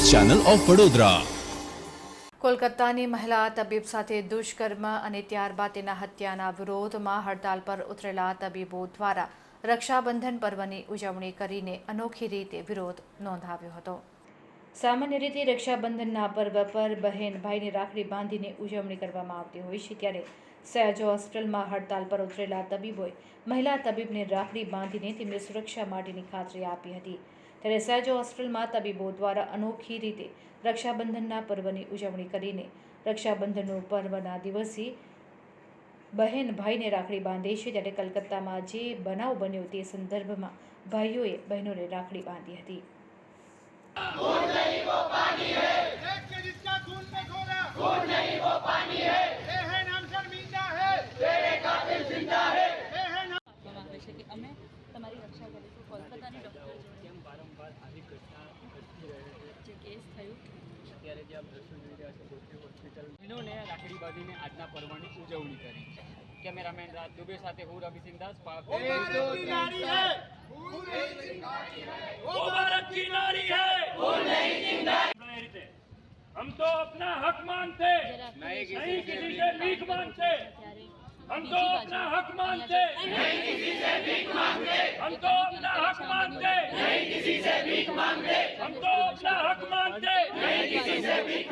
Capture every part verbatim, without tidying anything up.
Channel of Vadodara. કોલકાતાની મહિલા તબીબ સાથે દુષ્કર્મ અને ત્યારબાદ તેના હત્યાના વિરોધમાં હડતાલ પર ઉતરેલા તબીબો દ્વારા રક્ષાબંધન પર્વની ઉજવણી કરીને અનોખી રીતે વિરોધ નોંધાવ્યો હતો। સામાન્ય રીતે રક્ષાબંધનના પર્વ પર બહેન ભાઈને રાખડી બાંધીને ઉજવણી કરવામાં આવતી હોય છે, ત્યારે સયાજ હોસ્પિટલમાં હડતાલ પર ઉતરેલા તબીબોએ મહિલા તબીબને રાખડી બાંધીને તેમની સુરક્ષા માટેની ખાતરી આપી હતી। ત્યારે સયાજ હોસ્પિટલમાં તબીબો દ્વારા અનોખી રીતે રક્ષાબંધનના પર્વની ઉજવણી કરીને રક્ષાબંધનનો પર્વના દિવસે બહેન ભાઈને રાખડી બાંધે છે, ત્યારે કલકત્તામાં જે બનાવ બન્યો તે સંદર્ભમાં ભાઈઓએ બહેનોને રાખડી બાંધી હતી। खून नहीं वो पानी है, देश के जिसका खून में खोरा, खून नहीं वो पानी है, ये है नाम शर्मिंदा है, तेरे कातिल जिंदा है, ये है नाम આવે છે કે અમે તમારી રક્ષા કરીશું। કોલકાતાની ડૉક્ટર જોડે કેમ વારંવાર આવી ઘટના ઘટતી રહે છે? જે કેસ થયું અત્યારે જે આપ દ્રશ્યો જોઈ રહ્યા છો ગોત્રી હોસ્પિટલ બહેનોને રાખડી બાંધીને આજના પર્વની ઉજવણી કરી છે। કેમેરામેન રાજ દુબે સાથે હું રવિસિંહ દાસ। वो भारत की नारी है, खून नहीं चिंगारी है, वो भारत की नारी है, खून नहीं चिंगारी। हम तो अपना हक मांगते, नहीं किसी से भीख मांगते। ત્યારે हम तो अपना हक मांगते, नहीं किसी से भीख मांगते, हम तो अपना हक मांगते, नहीं किसी से भीख मांगते, हम तो अपना हक मांगते। नहीं किसी से भीख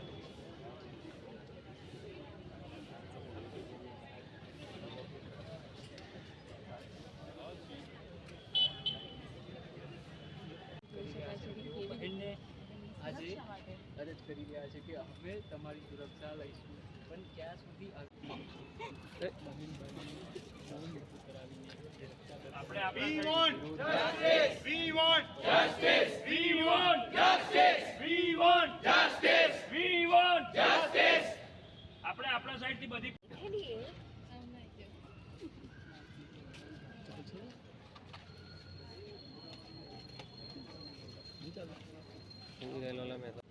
બહેનને આજે સુરક્ષા માટે અરજ કરી રહ્યા છે કે અમે તમારી સુરક્ષા લઈશું, પણ ક્યાં સુધી આવી બહેન બહેનને બહુ મૃત્યુ કરાવીને જે રક્ષા કરતા આપણે We આપણા want justice. We want justice. We want justice. we want Justice. we want Justice. આપણે આપણા સાઈડથી બધી ચાલો